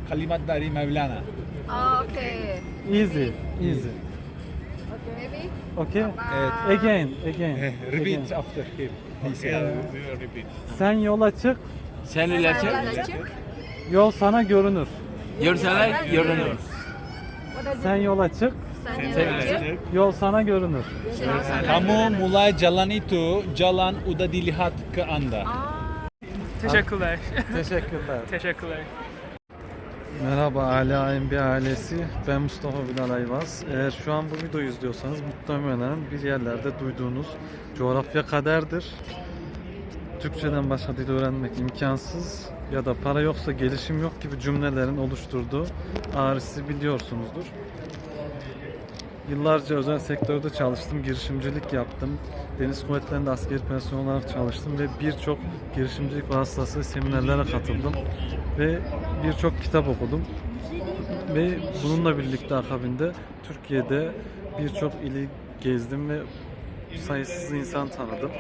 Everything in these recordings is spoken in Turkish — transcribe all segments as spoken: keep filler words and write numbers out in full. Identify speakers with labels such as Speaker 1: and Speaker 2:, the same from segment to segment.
Speaker 1: kalimat dari Mevlana.
Speaker 2: Oh, okay.
Speaker 3: Easy, easy.
Speaker 2: Maybe?
Speaker 3: Okay?
Speaker 1: Evet.
Speaker 3: Again, again.
Speaker 1: Eh, Repeat
Speaker 3: again.
Speaker 1: after him. He said.
Speaker 3: Sen yola çık,
Speaker 4: Sen ile çık.
Speaker 2: Çık.
Speaker 3: yol sana görünür.
Speaker 4: Görseler görünür.
Speaker 2: What is
Speaker 3: Sen yola çık,
Speaker 2: Sen
Speaker 4: Sen
Speaker 2: yola çık.
Speaker 3: yol sana görünür.
Speaker 1: Kamu mulai jalan itu, jalan udah dilihat ke Anda.
Speaker 5: Teşekkürler.
Speaker 3: Teşekkürler.
Speaker 5: Teşekkürler.
Speaker 3: Merhaba Ala M B ailesi, ben Mustafa Bilal Ayvaz. Eğer şu an bu videoyu izliyorsanız muhtemelen bir yerlerde duyduğunuz coğrafya kaderdir. Türkçeden başka dil öğrenmek imkansız ya da para yoksa gelişim yok gibi cümlelerin oluşturduğu ağrısı biliyorsunuzdur. Yıllarca özel sektörde çalıştım, girişimcilik yaptım. Deniz Kuvvetleri'nde askeri personel olarak çalıştım ve birçok girişimcilik vasıtası seminerlere katıldım ve birçok kitap okudum. Ve bununla birlikte akabinde Türkiye'de birçok ili gezdim ve sayısız insan tanıdım.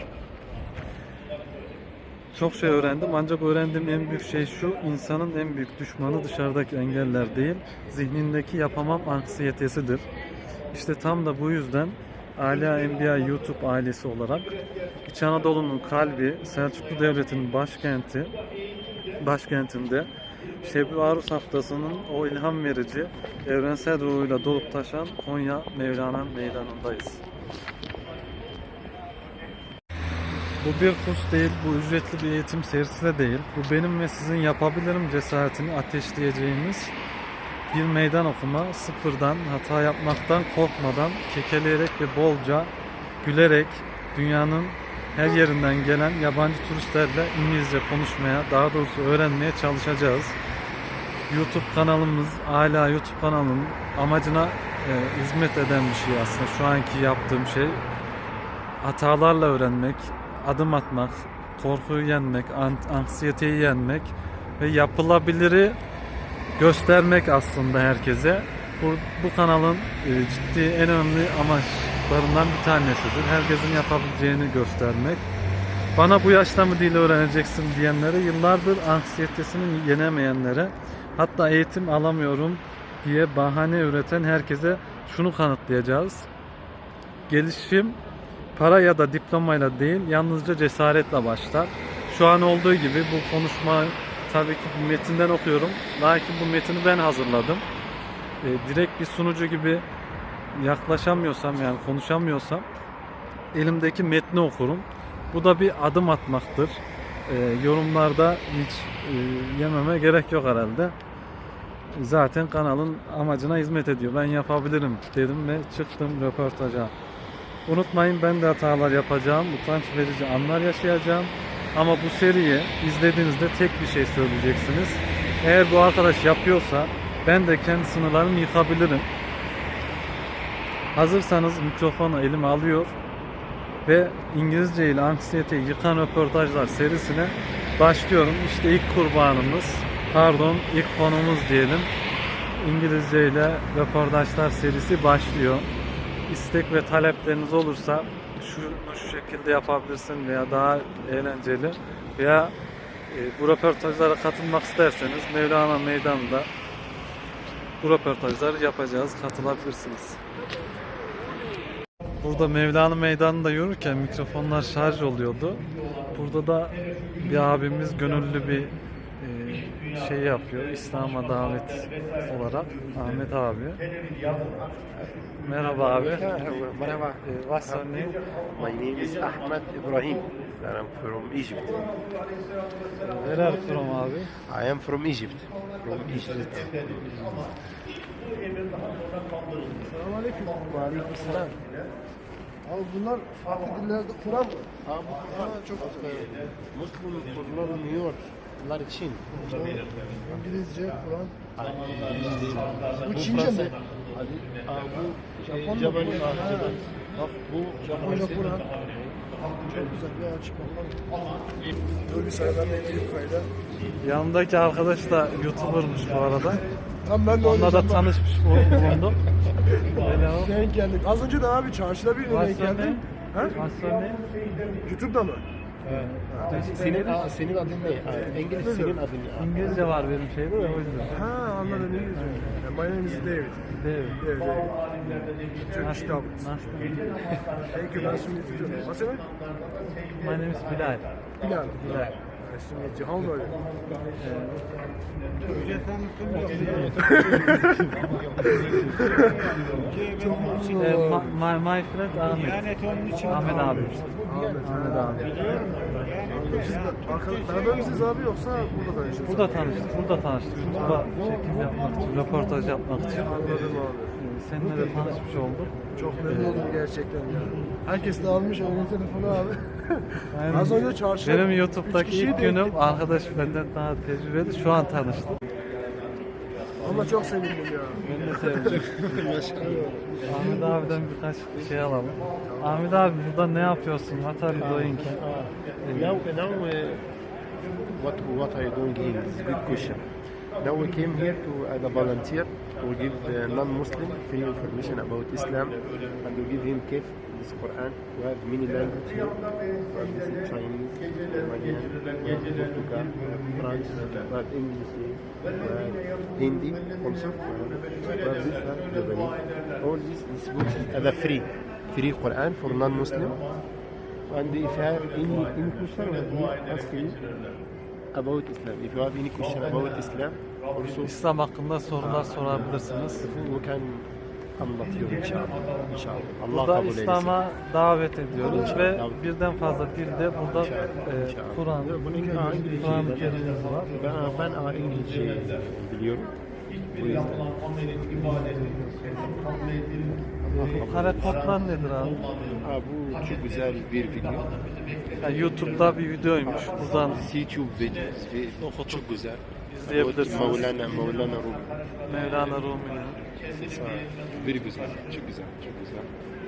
Speaker 3: Çok şey öğrendim ancak öğrendiğim en büyük şey şu: insanın en büyük düşmanı dışarıdaki engeller değil, zihnindeki yapamam anksiyetesidir. İşte tam da bu yüzden Ala Enbiya YouTube ailesi olarak İç Anadolu'nun kalbi, Selçuklu Devleti'nin başkenti, başkentinde Şebi Arus haftasının o ilham verici, evrensel ruhuyla dolup taşan Konya Mevlana Meydanı'ndayız. Bu bir kurs değil, bu ücretli bir eğitim serisi de değil. Bu benim ve sizin yapabilirim cesaretini ateşleyeceğimiz bir meydan okuma, sıfırdan, hata yapmaktan korkmadan, kekeleyerek ve bolca gülerek dünyanın her yerinden gelen yabancı turistlerle İngilizce konuşmaya, daha doğrusu öğrenmeye çalışacağız. YouTube kanalımız, hala YouTube kanalının amacına e, hizmet eden bir şey aslında. Şu anki yaptığım şey hatalarla öğrenmek, adım atmak, korkuyu yenmek, anksiyeteyi yenmek ve yapılabiliri göstermek aslında herkese. Bu, bu kanalın e, ciddi en önemli amaçlarından bir tanesidir. Herkesin yapabileceğini göstermek. Bana bu yaşta mı dil öğreneceksin diyenlere, yıllardır anksiyetesini yenemeyenlere, hatta eğitim alamıyorum diye bahane üreten herkese şunu kanıtlayacağız: gelişim para ya da diplomayla değil, yalnızca cesaretle başlar. Şu an olduğu gibi bu konuşma tabii ki bir metinden okuyorum. Lakin bu metini ben hazırladım. E, direkt bir sunucu gibi yaklaşamıyorsam, yani konuşamıyorsam, elimdeki metni okurum. Bu da bir adım atmaktır. E, yorumlarda hiç e, yememe gerek yok herhalde. Zaten kanalın amacına hizmet ediyor. Ben yapabilirim dedim ve çıktım röportaja. Unutmayın, ben de hatalar yapacağım, utanç verici anlar yaşayacağım. Ama bu seriyi izlediğinizde tek bir şey söyleyeceksiniz: eğer bu arkadaş yapıyorsa ben de kendi sınırlarımı yıkabilirim. Hazırsanız mikrofonu elime alıyor ve İngilizce ile anksiyeteyi yıkan röportajlar serisine başlıyorum. İşte ilk kurbanımız, pardon ilk konumuz diyelim, İngilizce ile röportajlar serisi başlıyor. İstek ve talepleriniz olursa şunu şu şekilde yapabilirsin veya daha eğlenceli veya e, bu röportajlara katılmak isterseniz Mevlana Meydanı'nda bu röportajları yapacağız. Katılabilirsiniz. Burada Mevlana Meydanı'nda yürürken mikrofonlar şarj oluyordu. Burada da bir abimiz gönüllü bir e, şey yapıyor, İslam'a davet olarak. Ahmet abi. Merhaba abi.
Speaker 6: Merhaba.
Speaker 3: E, what's your name?
Speaker 6: My name is Ahmed Ibrahim and I'm from Egypt.
Speaker 3: Where are you from abi?
Speaker 6: I am from Egypt. From Egypt.
Speaker 7: Selamünaleyküm. Aleykümselam. Abi bunlar farklı dillerde Kur'an mı?
Speaker 6: Abi
Speaker 7: Ha, çok güzel.
Speaker 6: Muslim kullanılmıyor. Bunlar için.
Speaker 7: İngilizce, Kur'an. Bu
Speaker 6: Bu
Speaker 7: Çince
Speaker 6: Fransa.
Speaker 7: mi?
Speaker 6: Abi bu
Speaker 7: Japon mu?
Speaker 6: Japon.
Speaker 7: Ha.
Speaker 6: Bak bu
Speaker 7: Japonca, Kur'an. Çok güzel bir açık bakalım. Dur bir saniye, ben de ineyim kayda.
Speaker 3: Yanındaki arkadaş da YouTuber'mış bu arada.
Speaker 7: Tam ben de
Speaker 3: Onunla da
Speaker 7: oynayacağım.
Speaker 3: tanışmış bulundum. Hello.
Speaker 7: Denk geldik. Az önce de abi çarşıda birine denk
Speaker 3: What's your
Speaker 7: geldim.
Speaker 3: name?
Speaker 7: Ha?
Speaker 3: What's your name?
Speaker 7: YouTube'da mı?
Speaker 6: senin, aa, senin adın ne? Aa, İngiliz senin adın ne?
Speaker 3: İngilizce var benim şeyde de o yüzden.
Speaker 7: Ha, anladım. My name is David.
Speaker 3: David.
Speaker 7: David. David. Turkish David.
Speaker 3: Nice to meet you.
Speaker 7: Thank you. Nice to meet you too. What's your name?
Speaker 3: My name is Bilal.
Speaker 7: Bilal.
Speaker 3: Bilal.
Speaker 7: Nice to meet you. How old are you?
Speaker 3: Ee, ma- my, my friend Ahmet. Ahmet abi. Ahmet abi.
Speaker 7: Siz arkadaş, beraber misiniz abi yoksa burada tanıştınız?
Speaker 3: Burada tanıştık, burada tanıştık. YouTube'a çekim yapmak için, röportaj yapmak için.
Speaker 7: Anladım abi.
Speaker 3: Ee, Seninle de tanışmış olduk.
Speaker 7: Çok memnun oldum gerçekten ya. Herkes de almış onun telefonu abi.
Speaker 3: Yani
Speaker 7: Az önce çarşıda
Speaker 3: benim
Speaker 7: üç
Speaker 3: YouTube'daki
Speaker 7: kişiyi
Speaker 3: ilk
Speaker 7: de
Speaker 3: günüm,
Speaker 7: ektik.
Speaker 3: arkadaş benden daha tecrübeli. Şu an tanıştık.
Speaker 7: Ama çok sevindim ya.
Speaker 3: Ben de sevdim. Ahmet abiden birkaç şey alalım. Ahmet abi burada ne yapıyorsun? What are you doing?
Speaker 6: Now, now uh, what what are you doing here? It's a good question. Now we came here to as a volunteer to give the non-Muslim free information about Islam and to give him kif this Quran. We have many languages here. We have this in Chinese, Romanian, we have Portugal, we have French, we have English, we have Hindi also. We have this one, Japanese. All these these books are the free free Quran for non-Muslim. And if you have any, any question, let me ask you about Islam. If you have any question about Islam, also
Speaker 3: İslam hakkında sorular sorabilirsiniz.
Speaker 6: we can anlatıyor inşallah. İnşallah. Allah
Speaker 3: Burada
Speaker 6: kabul eylesin.
Speaker 3: İslam'a davet ediyoruz
Speaker 6: İnşallah.
Speaker 3: ve birden fazla dilde burada e,
Speaker 6: İnşallah.
Speaker 3: Kur'an,
Speaker 6: Bunu İngilizce
Speaker 3: Kur'an-ı Kerim'imiz var.
Speaker 6: Ben, ben aa, İngilizce biliyorum. Bu yüzden.
Speaker 3: Bu kare kodlar nedir abi?
Speaker 6: Aa, bu çok güzel bir video.
Speaker 3: Yani YouTube'da bir videoymuş. Buradan
Speaker 6: YouTube videosu. ve Çok güzel.
Speaker 3: izleyebilirsiniz.
Speaker 6: Mevlana, Mevlana Rumi.
Speaker 3: Mevlana Rumi'nin.
Speaker 6: Aa, Bir güzel. Çok güzel. Çok güzel.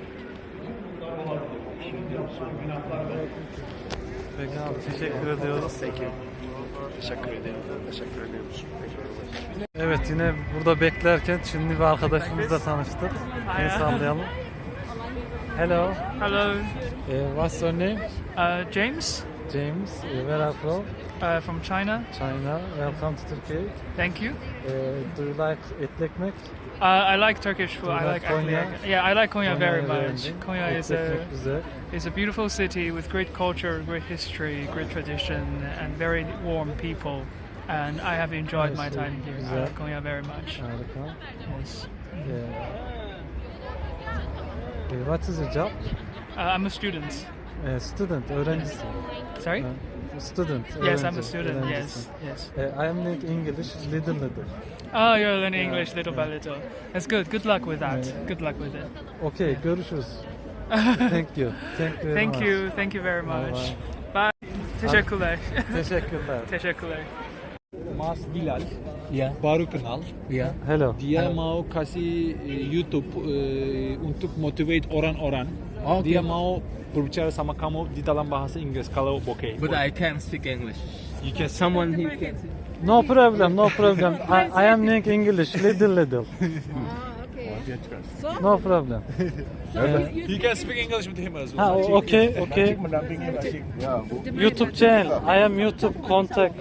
Speaker 3: Peki abi teşekkür ediyoruz.
Speaker 6: Thank you. Teşekkür ederim. Teşekkür ederim.
Speaker 3: Evet yine burada beklerken Çinli bir arkadaşımızla tanıştık. El sallayalım. Hello.
Speaker 5: Hello,
Speaker 3: Eh, what's your name?
Speaker 5: uh, James
Speaker 3: James. Eh, where are you from?
Speaker 5: uh, from China.
Speaker 3: China. Welcome to Turkey.
Speaker 5: Thank you.
Speaker 3: Eh, do you like etli ekmek?
Speaker 5: Uh, I like Turkish food.
Speaker 3: Do you
Speaker 5: I
Speaker 3: like
Speaker 5: like actually,
Speaker 3: Konya?
Speaker 5: yeah, I like Konya very
Speaker 3: Konya'yı
Speaker 5: much.
Speaker 3: beğendin.
Speaker 5: Konya is
Speaker 3: Etli
Speaker 5: a
Speaker 3: ekmek güzel.
Speaker 5: is a beautiful city with great culture, great history, great tradition, and very warm people. And I have enjoyed my
Speaker 3: Nice,
Speaker 5: time here. I
Speaker 3: güzel.
Speaker 5: like Konya very much.
Speaker 3: Harika.
Speaker 5: Yes.
Speaker 3: Eh, eh, what is your job?
Speaker 5: Uh, I'm a student.
Speaker 3: Eh, student, öğrencisin.
Speaker 5: Sorry.
Speaker 3: Eh, student.
Speaker 5: Yes, I'm
Speaker 3: öğrenci,
Speaker 5: a student. Yes,
Speaker 3: öğrencisin.
Speaker 5: yes.
Speaker 3: Eh, I am learning English little little.
Speaker 5: Oh, you're learning English little by little. That's good. Good luck with that. Good luck with it.
Speaker 3: Okay, görüşürüz. Thank you. Thank you very
Speaker 5: Thank
Speaker 3: much.
Speaker 5: you. Thank you very
Speaker 3: Bye
Speaker 5: much. Bye. Teşekkürler.
Speaker 3: Teşekkürler.
Speaker 5: Teşekkürler.
Speaker 1: Mas Bilal,
Speaker 4: Ya,
Speaker 1: baru kenal.
Speaker 4: ya.
Speaker 3: Hello.
Speaker 1: Dia mau kasih eh, YouTube eh, untuk motivate orang-orang.
Speaker 4: Oke.
Speaker 1: Dia mau berbicara sama kamu di dalam bahasa Inggris kalau oke.
Speaker 4: But I can't speak English.
Speaker 1: You can
Speaker 4: Someone who can.
Speaker 3: No problem, no problem. I, I am learning English little little.
Speaker 2: Okay.
Speaker 3: No problem.
Speaker 1: You can speak English with him as well.
Speaker 3: Ha, o- okay, okay. YouTube channel. I am YouTube contact.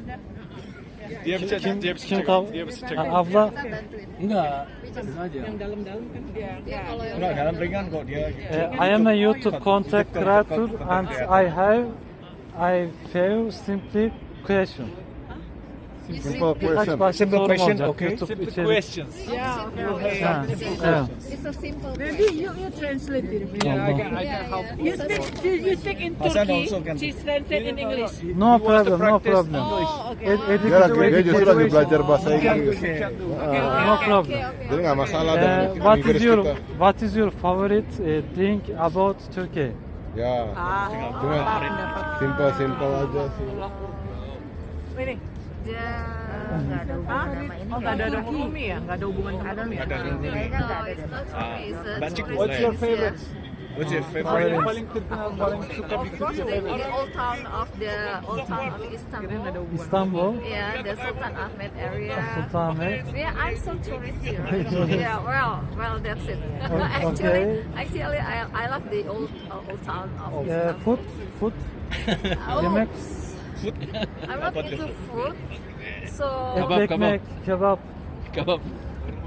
Speaker 1: Dia bisa
Speaker 3: Kim,
Speaker 1: dia bisa
Speaker 3: kim
Speaker 1: check
Speaker 3: tahu?
Speaker 1: out. Dia bisa check
Speaker 3: Ha,
Speaker 1: out.
Speaker 3: abla.
Speaker 4: Enggak. Sengaja.
Speaker 2: Ya, kalau yang
Speaker 7: Enggak, dalam ringan kok dia.
Speaker 3: Eh, I am a YouTube content creator and I have I have simply question.
Speaker 7: Simple
Speaker 3: Birkaç başka sorum olacak YouTube
Speaker 1: Simple
Speaker 3: içerik.
Speaker 1: questions.
Speaker 2: yeah, okay.
Speaker 3: Ha, evet.
Speaker 2: It's a simple.
Speaker 8: Maybe you, you translate it.
Speaker 1: Yeah, I can I can help.
Speaker 8: You speak, you, you speak in Turkey. She translate in English.
Speaker 3: No problem, no
Speaker 1: practice.
Speaker 3: problem.
Speaker 2: Oh, okay.
Speaker 3: Ed
Speaker 7: Dia
Speaker 3: education,
Speaker 7: lagi dia justru lagi
Speaker 3: education.
Speaker 7: belajar bahasa Inggris.
Speaker 3: No problem.
Speaker 7: Jadi nggak masalah
Speaker 3: Eh,
Speaker 7: dengan
Speaker 3: what is
Speaker 7: Inggris
Speaker 3: your
Speaker 7: kita.
Speaker 3: what is your favorite uh, thing about Turkey?
Speaker 7: Ya, cuma simple simple aja sih.
Speaker 8: Ini.
Speaker 2: Dia nggak ada hubungan sama ini.
Speaker 8: Oh, nggak ada ekonomi ya? Nggak ada hubungan ekonomi ya?
Speaker 2: No, it's not Turkey. It's a tourist
Speaker 1: What's your
Speaker 2: place,
Speaker 1: favorite?
Speaker 2: yeah.
Speaker 1: What's your
Speaker 3: Favorite.
Speaker 1: Paling terkenal, paling suka
Speaker 2: Of course, the old town of the old town of Istanbul.
Speaker 3: İstanbul,
Speaker 2: Yeah, the Sultan Ahmed area.
Speaker 3: Sultanahmet.
Speaker 2: Yeah, I'm so tourist here. Yeah, well, well, that's it.
Speaker 3: O-
Speaker 2: actually,
Speaker 3: okay.
Speaker 2: actually, I, I love the old uh, old town of
Speaker 3: Uh,
Speaker 2: Istanbul.
Speaker 3: food, food,
Speaker 2: Oh,
Speaker 3: yemek,
Speaker 2: I'm not into food, so
Speaker 3: etli ekmek, kebap.
Speaker 4: Kebab.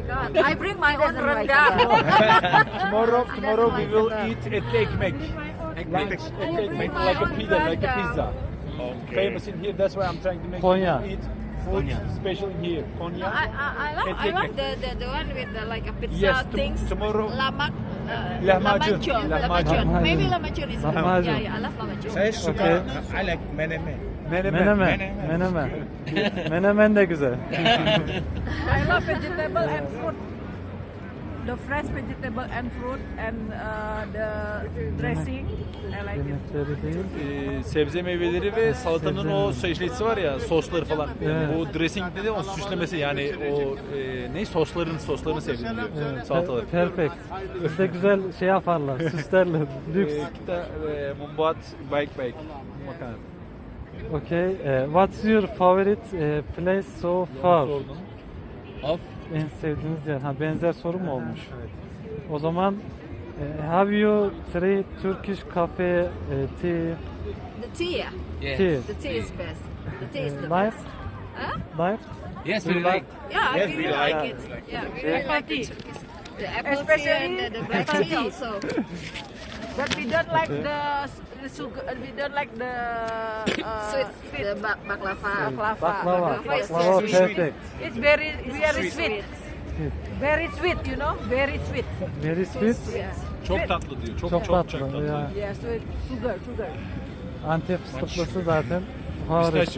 Speaker 2: god. I bring my own rendang.
Speaker 1: Tomorrow, tomorrow we
Speaker 2: my
Speaker 1: will
Speaker 2: father.
Speaker 1: eat etli ekmek. Lunch, etli ekmek,
Speaker 2: my
Speaker 1: like a
Speaker 2: own
Speaker 1: pizza, like a
Speaker 2: rendang.
Speaker 1: pizza. Famous in here, that's why I'm trying to make
Speaker 3: Konya.
Speaker 1: you eat food special here. Konya.
Speaker 2: I, I, I love, I
Speaker 1: Etli
Speaker 2: love
Speaker 1: ekmek.
Speaker 2: the, the, the one with the, like a pizza
Speaker 1: Yes, tom-
Speaker 2: things.
Speaker 1: tomorrow-
Speaker 2: Lamak. Uh,
Speaker 1: Lahmacun.
Speaker 2: Lamacun.
Speaker 1: Lahmacun.
Speaker 2: Lamacun. Maybe lamacun is good.
Speaker 3: Lahmacun.
Speaker 2: Yeah, yeah, I love lamacun.
Speaker 7: Saya suka,
Speaker 3: Okay.
Speaker 7: I like menemen.
Speaker 3: Menemen. Menemen. Menemen de güzel.
Speaker 8: I love vegetable and fruit. The fresh vegetable and fruit and uh, the dressing. I like it.
Speaker 3: Yemekleri değil.
Speaker 1: Ee, sebze meyveleri ve salatanın
Speaker 3: Sebze
Speaker 1: o
Speaker 3: meyveleri.
Speaker 1: şeylisi var ya, sosları falan.
Speaker 3: Evet.
Speaker 1: Bu dressing dedi o süslemesi yani o e, ne sosların soslarını sevdim diyor.
Speaker 3: Evet,
Speaker 1: Salatalar.
Speaker 3: per- perfect. Bizde güzel şey yaparlar, süslerler. Lüks.
Speaker 1: Ee, kita e, membuat baik-baik makanan.
Speaker 3: Okay. eh, what's your favorite eh, place so far?
Speaker 1: Sordun.
Speaker 4: Of
Speaker 3: En sevdiğiniz yer. Ha benzer soru mu olmuş? O zaman eh, have you tried Turkish cafe eh, tea?
Speaker 2: The tea, yeah.
Speaker 4: yes.
Speaker 3: Tea.
Speaker 2: The tea is best. The tea is the
Speaker 3: Life?
Speaker 2: best. Huh?
Speaker 3: Life?
Speaker 4: Yes, we like.
Speaker 2: Yeah, I
Speaker 7: Yes,
Speaker 2: really
Speaker 7: we
Speaker 2: like
Speaker 3: like
Speaker 2: it. Yeah, we really
Speaker 8: Apple
Speaker 2: like
Speaker 8: tea.
Speaker 2: it. The apple tea
Speaker 8: Especially
Speaker 2: and the, the black
Speaker 8: apple
Speaker 2: tea
Speaker 8: tea.
Speaker 2: also.
Speaker 8: But we don't like the, the sugar. uh, We don't like the uh,
Speaker 2: Sweet,
Speaker 8: sweet
Speaker 2: the ba- baklava.
Speaker 8: baklava.
Speaker 3: Baklava.
Speaker 2: Baklava is
Speaker 3: Baklava
Speaker 2: sweet.
Speaker 3: perfect.
Speaker 8: It's very very sweet. Very sweet, you know, very sweet.
Speaker 3: Very sweet.
Speaker 2: Yeah.
Speaker 1: Çok tatlı diyor. Çok
Speaker 3: Çok
Speaker 1: çok
Speaker 3: tatlı.
Speaker 1: çok tatlı.
Speaker 3: Ya.
Speaker 8: Yeah, sweet sugar, sugar.
Speaker 3: Antep fıstıklısı zaten harika.
Speaker 1: Pistachio.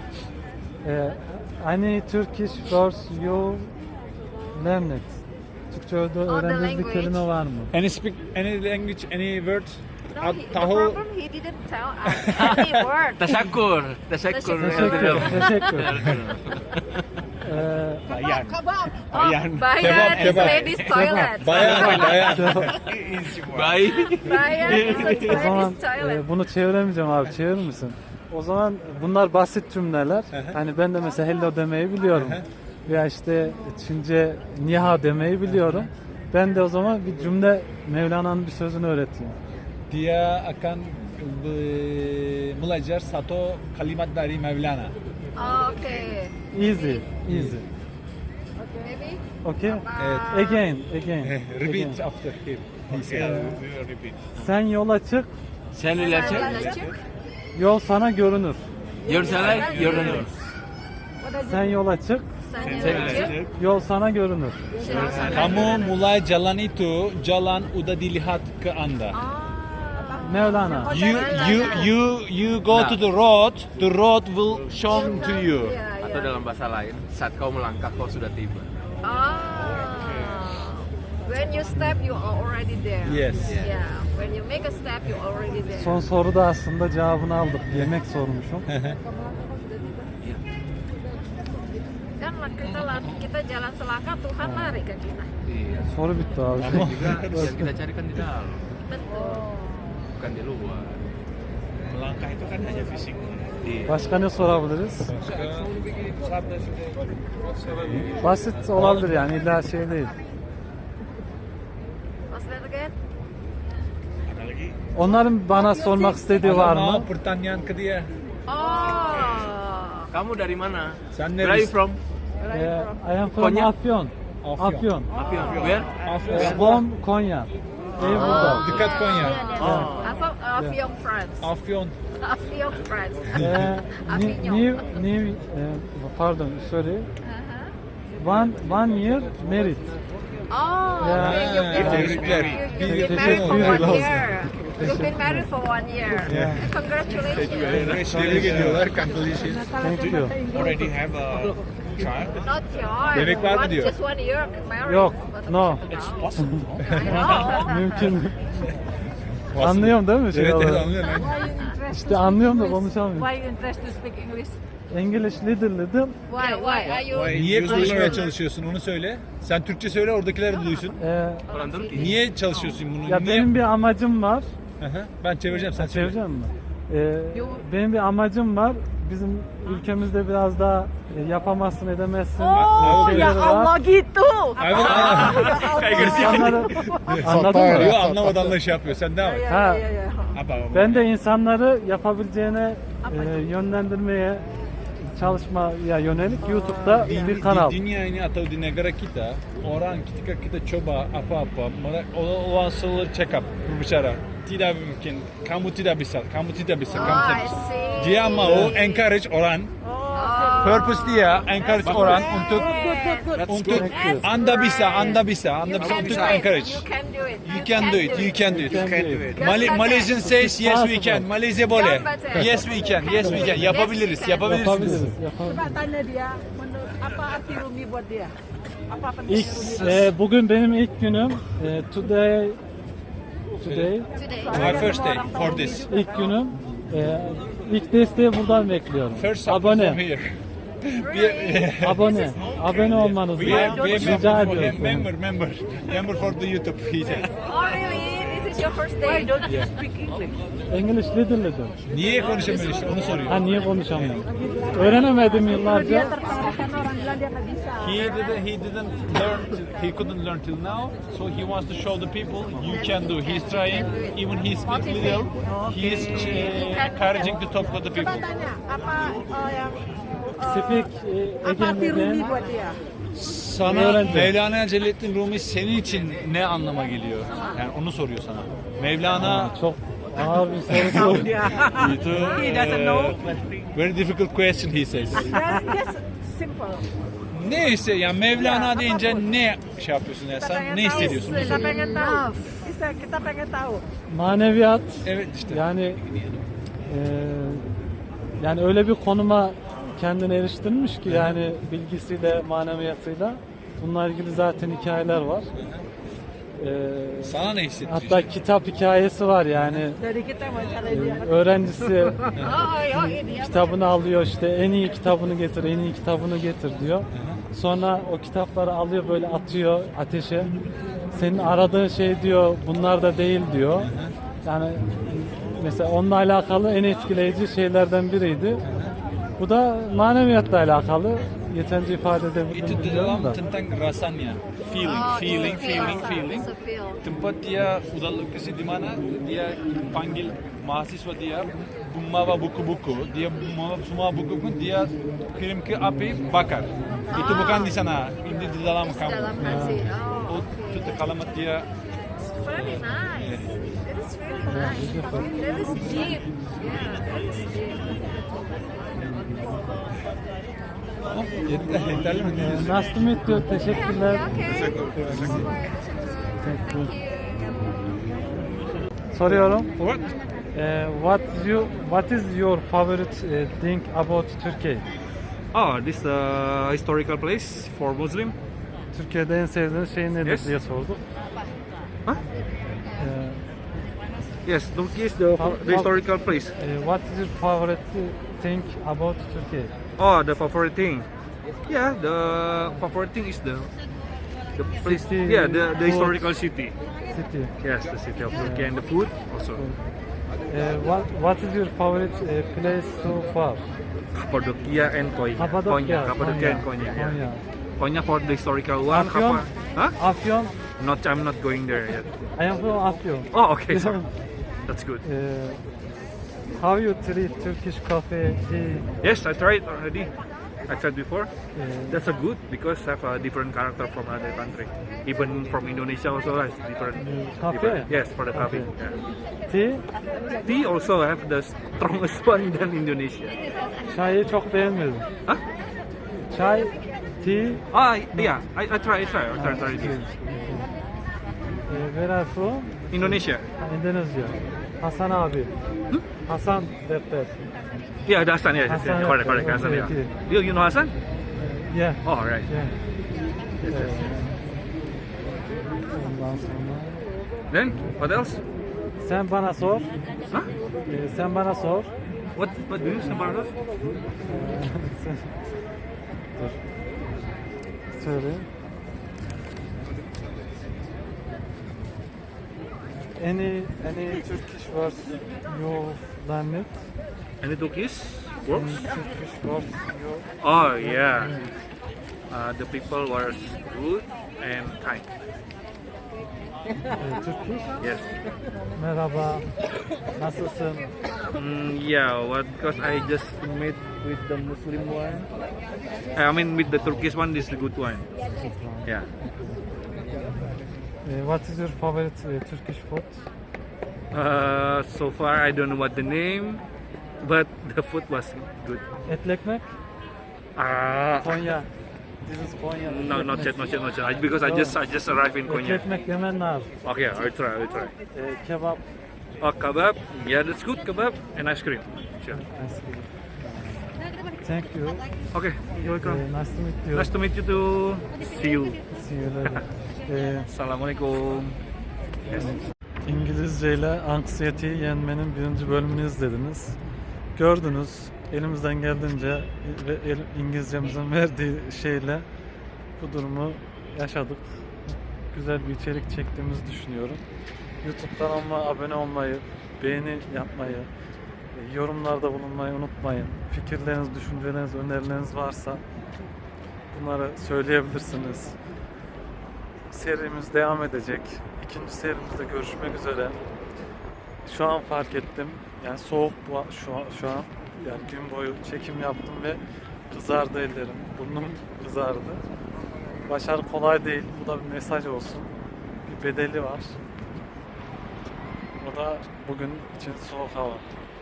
Speaker 3: Eh, any Turkish words you learned? Türkçe'de öğrendiğiniz bir
Speaker 2: language.
Speaker 3: kelime var mı?
Speaker 1: Any speak any language, any word?
Speaker 2: No,
Speaker 1: At-
Speaker 2: he, the
Speaker 1: tahu.
Speaker 2: problem he didn't tell us any word.
Speaker 4: Tasyakur. Tasyakur.
Speaker 3: Teşekkür, teşekkür. Eh,
Speaker 7: Bayan.
Speaker 2: Oh,
Speaker 7: Bayan.
Speaker 2: Bayan is
Speaker 1: kebab.
Speaker 2: ladies toilet.
Speaker 1: Bayan, bayan.
Speaker 4: Baik.
Speaker 2: Bayan is a
Speaker 3: o zaman
Speaker 2: ladies toilet.
Speaker 3: e, bunu çeviremeyeceğim abi, çevirir misin? O zaman bunlar basit cümleler. Hani ben de mesela hello demeyi biliyorum. Veya işte Çince niha demeyi biliyorum. Ben de o zaman bir cümle, Mevlana'nın bir sözünü öğreteyim.
Speaker 1: Dia akan be- belajar satu kalimat dari Mevlana.
Speaker 2: Oh, okay.
Speaker 3: Easy, easy.
Speaker 2: Maybe.
Speaker 3: Okay?
Speaker 1: Evet.
Speaker 3: Again, again.
Speaker 1: Repeat
Speaker 3: again.
Speaker 1: after him.
Speaker 3: Sen yola çık,
Speaker 4: Sen relaxed?
Speaker 2: Lacuk.
Speaker 3: yol sana görünür.
Speaker 4: Your salad, your runner.
Speaker 3: Sen yola çık,
Speaker 2: Sana lacuk.
Speaker 3: yol sana görünür.
Speaker 1: Kamu mulai jalan itu, jalan udah dilihat ke Anda.
Speaker 3: Mevlana.
Speaker 1: You you you you go to the road, the road will shown to you.
Speaker 2: Yeah,
Speaker 4: Atau
Speaker 2: yeah.
Speaker 4: dalam bahasa lain, saat kau melangkah kau sudah tiba.
Speaker 2: Ah. When you step, you are already there.
Speaker 1: Yes.
Speaker 2: Yeah. When you make a step, you're already there.
Speaker 3: Son soruda aslında cevabını aldık. Yemek sormuşum.
Speaker 2: Kan kita lan- kita jalan selangkah, Tuhan lari ke kita.
Speaker 4: Iya.
Speaker 3: Soru bitti abi.
Speaker 4: Juga yang kita cari kan di dalam,
Speaker 2: Betul.
Speaker 4: bukan di luar.
Speaker 7: Melangkah itu kan hanya fisik.
Speaker 4: Iya.
Speaker 3: Başka ne sorabiliriz? Basit olabilir yani, illa şey değil.
Speaker 2: What's that again?
Speaker 7: Ada lagi?
Speaker 3: Onların bana sormak istediği var
Speaker 1: Mau
Speaker 3: mı?
Speaker 1: pertanyaan ke dia.
Speaker 2: Oh.
Speaker 4: Kamu dari mana?
Speaker 1: Sen
Speaker 4: Where are you
Speaker 1: neresi?
Speaker 4: from?
Speaker 3: Ee, I am from
Speaker 4: Konya?
Speaker 3: Afyon.
Speaker 1: Afyon.
Speaker 3: Afyon.
Speaker 4: Afyon. Where?
Speaker 3: Ee, Bom Konya. Ev burada.
Speaker 1: Dekat Konya.
Speaker 2: Yeah, yeah. I'm from Afyon, France.
Speaker 1: Afyon.
Speaker 2: Afyon, France.
Speaker 3: Ee, ni- new, new, e, pardon, sorry.
Speaker 2: Uh-huh.
Speaker 3: One, one year married.
Speaker 2: Oh,
Speaker 3: Yeah.
Speaker 2: okay. You've been,
Speaker 1: Tebrikler.
Speaker 2: you,
Speaker 1: Bir-
Speaker 2: you've been
Speaker 3: teşekkür
Speaker 2: married for one
Speaker 3: ederim.
Speaker 2: year. You've been married for one year. Congratulations.
Speaker 1: Tebrik ediyorlar. Congratulations.
Speaker 3: Thank you.
Speaker 7: Already have a child?
Speaker 2: Not yours.
Speaker 1: Bebek var mı
Speaker 2: One-
Speaker 1: diyor?
Speaker 2: Just one year married.
Speaker 3: Yok,
Speaker 2: But-
Speaker 3: no.
Speaker 7: It's possible.
Speaker 2: I know.
Speaker 3: Mümkün. Anlıyorum değil mi? Şey
Speaker 1: Evet, evet
Speaker 3: olarak?
Speaker 1: anlıyorum.
Speaker 8: Why you interested
Speaker 3: İşte
Speaker 8: to
Speaker 3: anlıyorum da
Speaker 8: speak English?
Speaker 3: konuşamıyorum.
Speaker 8: Why you interested to speak English?
Speaker 3: English little little.
Speaker 2: Why? Why are you?
Speaker 7: Why?
Speaker 1: Niye
Speaker 7: Use
Speaker 1: konuşmaya
Speaker 7: the-
Speaker 1: çalışıyorsun onu söyle. Sen Türkçe söyle oradakiler de duysun.
Speaker 3: Ee,
Speaker 4: Orang Turki.
Speaker 1: Niye çalışıyorsun bunu?
Speaker 3: ya
Speaker 1: Niye?
Speaker 3: benim bir amacım var.
Speaker 1: Hı hı. Ben çevireceğim sen çevir.
Speaker 3: Çevireceğim mi? Ee, benim bir amacım var. Bizim ülkemizde biraz daha e, yapamazsın, edemezsin.
Speaker 8: Oh
Speaker 3: şeyleri
Speaker 8: ya
Speaker 3: var.
Speaker 8: Allah gitu.
Speaker 1: Evet.
Speaker 3: İnsanları anladın mı?
Speaker 1: Yok anlamadan da şey yapıyor. Sen devam et.
Speaker 3: Ha,
Speaker 8: Ya ya ya.
Speaker 7: Apa?
Speaker 3: ben de insanları yapabileceğine e, yönlendirmeye çalışmaya yönelik YouTube'da
Speaker 1: Di,
Speaker 3: bir kanal.
Speaker 1: di dunia ini atau di negara kita, orang ketika kita coba apa-apa, mereka orang selalu cakap, berbicara, tidak mungkin, kamu tidak bisa, kamu tidak bisa, kamu
Speaker 2: Oh,
Speaker 1: tidak
Speaker 2: I
Speaker 1: bisa.
Speaker 2: see.
Speaker 1: Dia mau encourage orang, purpose dia encourage orang untuk untuk anda bisa, anda bisa, anda
Speaker 2: You
Speaker 1: bisa
Speaker 2: can
Speaker 1: untuk
Speaker 2: do it.
Speaker 1: encourage.
Speaker 2: You can do it.
Speaker 1: You can do it, you can do it.
Speaker 3: You can do it.
Speaker 1: Mali Malaysian says yes we
Speaker 3: possible.
Speaker 1: can. Malaysia boleh.
Speaker 2: Gambar.
Speaker 1: Yes we can. Yes we can. Yapabiliriz.
Speaker 2: Yes, we can.
Speaker 1: Yapabiliriz.
Speaker 3: Yapabiliriz. yapabiliriz.
Speaker 8: Coba tanya dia, menurut apa arti Rumi buat dia? Apa penting
Speaker 3: İlk,
Speaker 8: Rumi?
Speaker 3: e, bugün benim ilk günüm. E, today, today
Speaker 2: Today.
Speaker 1: My first day for this.
Speaker 3: ilk günüm. E, ilk desteği buradan bekliyorum.
Speaker 1: First support from
Speaker 3: Abone,
Speaker 1: here.
Speaker 2: Really?
Speaker 3: abone, abone olmanızı
Speaker 1: We are, we are
Speaker 3: rica
Speaker 1: member, for him,
Speaker 3: ediyorum.
Speaker 1: member, member, member for the YouTube. He said.
Speaker 2: Oh really? This is your first day?
Speaker 8: Why don't you speak English?
Speaker 3: English little little.
Speaker 1: Niye konuşamıyor işte onu soruyor.
Speaker 3: Ha niye konuşamıyorum? Öğrenemedim yıllarca.
Speaker 8: Terkalahkan orang bilang dia nggak bisa.
Speaker 1: He didn't, he didn't learn, till- he couldn't learn till now, so he wants to show the people you can do. He's trying, even he speaks little, he's uh, encouraging to talk to the people.
Speaker 8: Coba tanya, apa uh, yang uh,
Speaker 3: Speak e,
Speaker 8: apa arti Rumi
Speaker 3: Ege'nin
Speaker 8: buat dia?
Speaker 1: Sana
Speaker 3: Öğrenci.
Speaker 1: Mevlana Celaleddin Rumi senin için ne anlama geliyor? Yani onu soruyor sana. Mevlana
Speaker 3: çok ağır bir soru sordu.
Speaker 1: itu
Speaker 8: He doesn't know.
Speaker 1: uh, very difficult question he says.
Speaker 8: Just simple.
Speaker 1: Neyse yani Mevlana deyince ne şey yapıyorsun ya sen ne hissediyorsun?
Speaker 8: Kita pengen tahu. Kita, kita pengen tahu.
Speaker 3: Maneviyat
Speaker 1: Evet işte.
Speaker 3: yani e, yani öyle bir konuma kendini eriştirmiş ki yani bilgisiyle maneviyatıyla bununla ilgili zaten hikayeler var. E,
Speaker 1: Sana ne hissettiriyor?
Speaker 3: hatta kitap hikayesi var yani
Speaker 8: Dari kita wawancara
Speaker 3: e,
Speaker 8: dia.
Speaker 3: öğrencisi
Speaker 2: Oh, oh ini ya.
Speaker 3: kitabını alıyor işte en iyi kitabını getir en iyi kitabını getir diyor. Sonra o kitapları alıyor böyle atıyor ateşe. Senin aradığın şey diyor bunlar da değil diyor. Yani mesela onunla alakalı en etkileyici şeylerden biriydi. Bu da maneviyatla alakalı. Yeterince ifade
Speaker 1: Itu
Speaker 3: edebildim bilmiyorum
Speaker 1: dalam
Speaker 3: da.
Speaker 1: tentang rasanya, feeling,
Speaker 2: Oh,
Speaker 1: feeling,
Speaker 2: it's a
Speaker 1: feeling,
Speaker 2: feel.
Speaker 1: feeling.
Speaker 2: It's a feel.
Speaker 1: Tempat dia udah lokasi di mana dia panggil mahasiswa dia membawa buku-buku, dia membawa semua buku-buku dia kirim ke api bakar. Itu bukan di sana, ini di dalam kamu.
Speaker 2: Dalam hati.
Speaker 1: O
Speaker 2: Oh,
Speaker 1: itu
Speaker 2: okay.
Speaker 1: kalimat dia
Speaker 2: It's very nice. It is really nice. That is deep. Yeah, that is deep.
Speaker 1: oh, yeter, yeterli mi?
Speaker 3: Ee, Nice to meet you. Teşekkürler.
Speaker 2: Okay. Bye-bye. Thank you.
Speaker 3: Soruyorum.
Speaker 1: What?
Speaker 3: Ee, what you what is your favorite eh, thing about Turkey?
Speaker 9: Oh, this is a historical place for Muslim.
Speaker 3: Türkiye'de en sevdiğiniz şey nedir
Speaker 9: Yes.
Speaker 3: diye sorduk.
Speaker 9: Huh?
Speaker 3: Ee,
Speaker 9: Yes, Turkey is the,
Speaker 3: How-
Speaker 9: the historical place.
Speaker 3: eh, what is your favorite thing about Turkey?
Speaker 9: Oh, the favorite thing. Yeah, the favorite thing is the the place.
Speaker 3: City,
Speaker 9: Yeah, the, the
Speaker 3: food.
Speaker 9: historical city.
Speaker 3: City.
Speaker 9: Yes, the city of Turkey and the food also.
Speaker 3: Eh, what what is your favorite eh, place so far?
Speaker 9: Cappadocia and Konya.
Speaker 3: Kapadokya.
Speaker 9: Konya, Cappadocia and Konya. Yeah.
Speaker 3: Konya.
Speaker 9: Konya for the historical one.
Speaker 3: Afyon.
Speaker 9: Kappa- Huh?
Speaker 3: Afyon.
Speaker 9: Not, I'm not going there yet.
Speaker 3: I am from Afyon.
Speaker 9: Oh, okay, sorry. That's good.
Speaker 3: Eh, how you treat Turkish coffee, tea?
Speaker 9: Yes, I tried already. I tried before.
Speaker 3: eh,
Speaker 9: That's a good because have a different character from other country. Even from Indonesia also has different.
Speaker 3: Coffee?
Speaker 9: different- Yes, for the coffee.
Speaker 3: Okay.
Speaker 9: Yeah.
Speaker 3: tea?
Speaker 9: Tea also have the strongest one than Indonesia.
Speaker 3: Çayı çok beğenmedim.
Speaker 9: Huh?
Speaker 3: Çay, tea.
Speaker 9: Ah, yeah. I, I try. I try. I try. try tea.
Speaker 3: Eh, where are you from?
Speaker 9: Indonesia.
Speaker 3: Endonezya. Hasan abi. Hasan Depter.
Speaker 9: Yeah, the Hassan. Yeah, yes,
Speaker 3: Hassan,
Speaker 9: yeah. Correct.
Speaker 3: yeah.
Speaker 9: Correct. Hassan. Yeah.
Speaker 3: Okay,
Speaker 9: You, you know Hassan?
Speaker 3: Yeah.
Speaker 9: Oh, right.
Speaker 3: Yeah.
Speaker 9: Yes, yes.
Speaker 3: Ondan sonra.
Speaker 9: Then what else?
Speaker 3: Sen bana sor.
Speaker 9: Huh?
Speaker 3: Eh, sen bana sor.
Speaker 9: What what do you say about us?
Speaker 3: Sen... Dur. Söyle. Any any Turkish words you learned?
Speaker 9: Any Turkish
Speaker 3: Any
Speaker 9: words?
Speaker 3: Turkish words you
Speaker 9: Oh yeah. Uh, the people were good and kind.
Speaker 3: eh, Turkish?
Speaker 9: Yes.
Speaker 3: Merhaba. Nasılsın?
Speaker 9: Mm, yeah, what? Because I just met with the Muslim one. I mean, with the Turkish one, this is the good one. Yeah.
Speaker 3: Uh, what is your favorite uh, Turkish food?
Speaker 9: Uh, so far, I don't know what the name, but the food was good.
Speaker 3: Etli ekmek?
Speaker 9: Ah,
Speaker 3: Konya. This is Konya.
Speaker 9: no,
Speaker 3: etli
Speaker 9: not
Speaker 3: ekmek.
Speaker 9: yet, not yet, not yet. I- Because I just, I just arrived in
Speaker 3: Etli
Speaker 9: Konya.
Speaker 3: ekmek yemen lazım.
Speaker 9: Okay, I'll try, I'll try.
Speaker 3: Uh, kebap.
Speaker 9: Oh, kebab. Yeah, that's good. Kebab and ice cream. Sure.
Speaker 3: Nice. Thank you.
Speaker 9: Okay, you're
Speaker 3: Uh,
Speaker 9: welcome.
Speaker 3: nice to meet you.
Speaker 9: Nice to meet you too. See you.
Speaker 3: See you later. Uh,
Speaker 9: Assalamualaikum.
Speaker 3: İngilizce ile anksiyeteyi yenmenin birinci bölümünü izlediniz. Gördünüz, elimizden geldiğince ve el- İngilizcemizin verdiği şeyle bu durumu yaşadık. Güzel bir içerik çektiğimizi düşünüyorum. YouTube kanalıma abone olmayı, beğeni yapmayı, e, yorumlarda bulunmayı unutmayın. Fikirleriniz, düşünceleriniz, önerileriniz varsa bunları söyleyebilirsiniz. Serimiz devam edecek. İkinci serimizde görüşmek üzere. Şu an fark ettim. Yani soğuk bu şu an, şu an. Yani gün boyu çekim yaptım ve kızardı ellerim. Burnum kızardı. Başarı kolay değil. Bu da bir mesaj olsun. Bir bedeli var. O da bugün için soğuk hava.